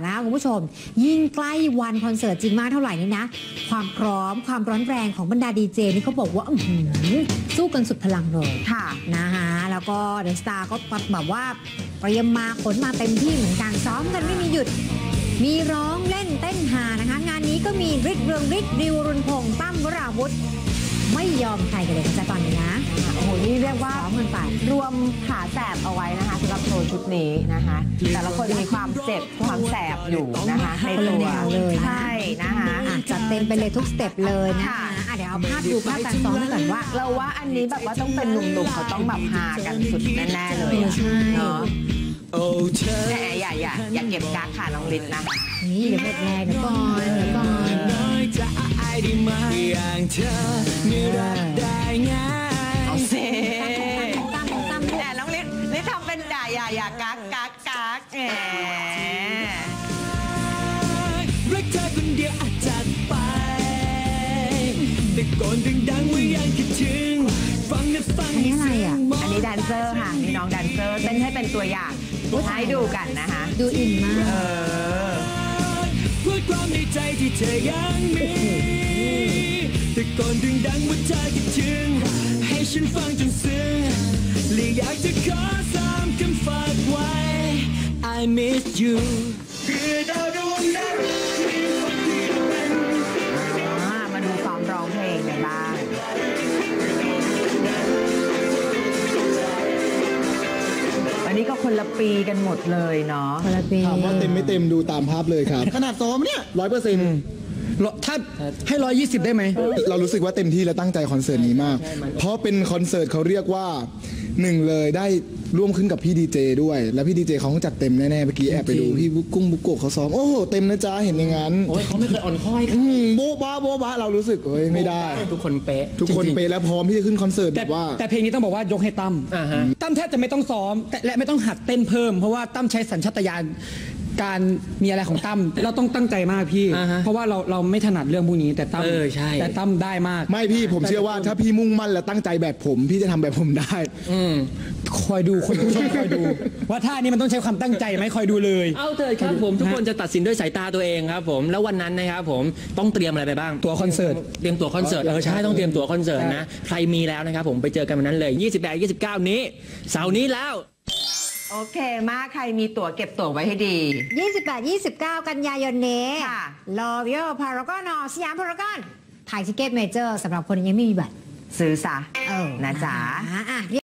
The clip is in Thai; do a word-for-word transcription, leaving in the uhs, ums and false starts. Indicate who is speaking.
Speaker 1: นะคะคุณผู้ชมยิ่งใกล้วันคอนเสิร์ตจริงมากเท่าไหร่นี่นะความพร้อมความร้อนแรงของบรรดาดีเจนี่เขาบอกว่าอื้อหือสู้กันสุดพลังเลยค่ะนะคะแล้วก็เดอะสตาร์ก็แบบว่าเตรียมมาขนมาเต็มที่เหมือนกันซ้อมกันไม่มีหยุดมีร้องเล่นเต้นหานะคะงานนี้ก็มีฤทธิ์เรืองฤทธิ์ดิวรุนพงษ์ตั้มวราวุธไม่ยอมใครกันเลยนะจ๊ะตอนนี้นะ
Speaker 2: โอ้โหนี่เรียกว่ารวมขาแสบเอาไว้นะคะสำหรับโชว์ชุดนี้นะคะแต่ละคนมีความเจ็บความแสบอยู่นะคะในตัว
Speaker 1: เลย
Speaker 2: ใช่นะคะ
Speaker 1: จัดเต็มไปเลยทุกสเต็ปเลยนะคะเดี๋ยวเอาภาพดูภาพการซ้อมก่อนว่า
Speaker 2: เราว่าอันนี้แบบว่าต้องเป็นหนุ่มๆเขาต้องแบบฮากันสุดแน่ๆเลยเนาะแต่อย่าอย่าอย่าเก็บกั๊กค่ะน้องฤทธิ์นะ
Speaker 1: นี่เดี๋ยวหมดแรงเดี๋ยวก่อนเดี๋ยวก่อน
Speaker 3: อย่างเธอไม่รักได้ง่าย
Speaker 2: เอาเซ่แต่น้องฤทธิ์ฤทธิ์ทำเป็นด่าอย่าอย่ากั๊กกั๊กกั๊กแหม
Speaker 3: รักเธอคนเดียวอาจจัดไปแต่ก่อนดังๆว่ายังคิดถึงฟังนะฟัง
Speaker 1: อันนี้อะไรอ่ะ
Speaker 2: อันนี้แดนเซอร์ค่ะมีน้องแดนเซอร์เต้นให้เป็นตัวอย่างให้ดูกันนะคะ
Speaker 1: ดูอินมาก
Speaker 2: เออ
Speaker 3: พูดความในใจที่เธอยังมีแต่ก่อนดังๆว่าเธอคิดถึงให้ฉันฟังจนซึ้งและอยากจะขอสามคำฝากไว้ I miss you คือดาวดวงนั้น
Speaker 2: มาดูซ้อมร้องเพลงกันบ้างอันนี้ก็คนละปีกันหมดเลยเนาะ
Speaker 1: คนละปี
Speaker 4: ถามว่าเต็มไม่เต็มดูตามภาพเลยครับขนาดซ้อมเนี่ยร้อยเปอร์เซ็นต์ถ้าให้ร้อยยี่สิบได้ไหมเรารู้สึกว่าเต็มที่และตั้งใจคอนเสิร์ตนี้มากเพราะเป็นคอนเสิร์ตเขาเรียกว่าหนึ่งเลยได้ร่วมขึ้นกับพี่ดีเจด้วยแล้วพี่ดีเจเขาจัดเต็มแน่ๆเมื่อกี้แอบไปดูพี่บุกุ้งบุกโกะเขาซ้อมโอ้โหเต็มนะจ๊ะเห็นอย่างนั้น
Speaker 5: โอ้ยเขาไม่เคยอ่อนค่อย
Speaker 4: โบ๊ะบ้าโบ๊ะบ้าเรารู้สึกเอ้ยไม่ได้
Speaker 5: ทุกคนเป๊ะ
Speaker 4: ทุกคนเป๊ะแล้วพร้อมที่จะขึ้นคอนเสิร์ตแบบว่า
Speaker 6: แต่เพลงนี้ต้องบอกว่ายกให้ตั้มตั้มแทบจะไม่ต้องซ้อมและไม่ต้องหัดเต้นเพิ่มเพราะว่าตั้มใช้สัญชาตญาณการมีอะไรของตั้มเราต้องตั้งใจมากพี่เพราะว่าเราเราไม่ถนัดเรื่องพวกนี้แต่ตั้มแต่ตั้มได้มาก
Speaker 4: ไม่พี่ผมเชื่อว่าถ้าพี่มุ่งมั่นและตั้งใจแบบผมพี่จะทำแบบผมได้
Speaker 6: คอยดูคนผู้ชมคอยดูว่าท่านี้มันต้องใช้ความตั้งใจไหมคอยดูเลย
Speaker 5: เอาเถอะครับผมทุกคนจะตัดสินด้วยสายตาตัวเองครับผมแล้ววันนั้นนะครับผมต้องเตรียมอะไรไปบ้าง
Speaker 6: ตั๋วคอนเสิร์ต
Speaker 5: เตรียมตั๋วคอนเสิร์ตเออใช่ต้องเตรียมตั๋วคอนเสิร์ตนะใครมีแล้วนะครับผมไปเจอกันวันนั้นเลยยี่สิบแปด ยี่สิบเก้านี้เสาร์นี้แล้ว
Speaker 2: โอเคมากใครมีตั๋วเก็บตั๋วไว้ให้ดี
Speaker 1: ยี่สิบแปด ยี่สิบเก้า กันยายนนี้ลอเวียพารากอนสยามพารากอนไทยทิเก็ตเมเจอร์สำหรับคนยังไม่มีบัตร
Speaker 2: ซื้อซะ
Speaker 1: เออ
Speaker 2: นะจ๊ะ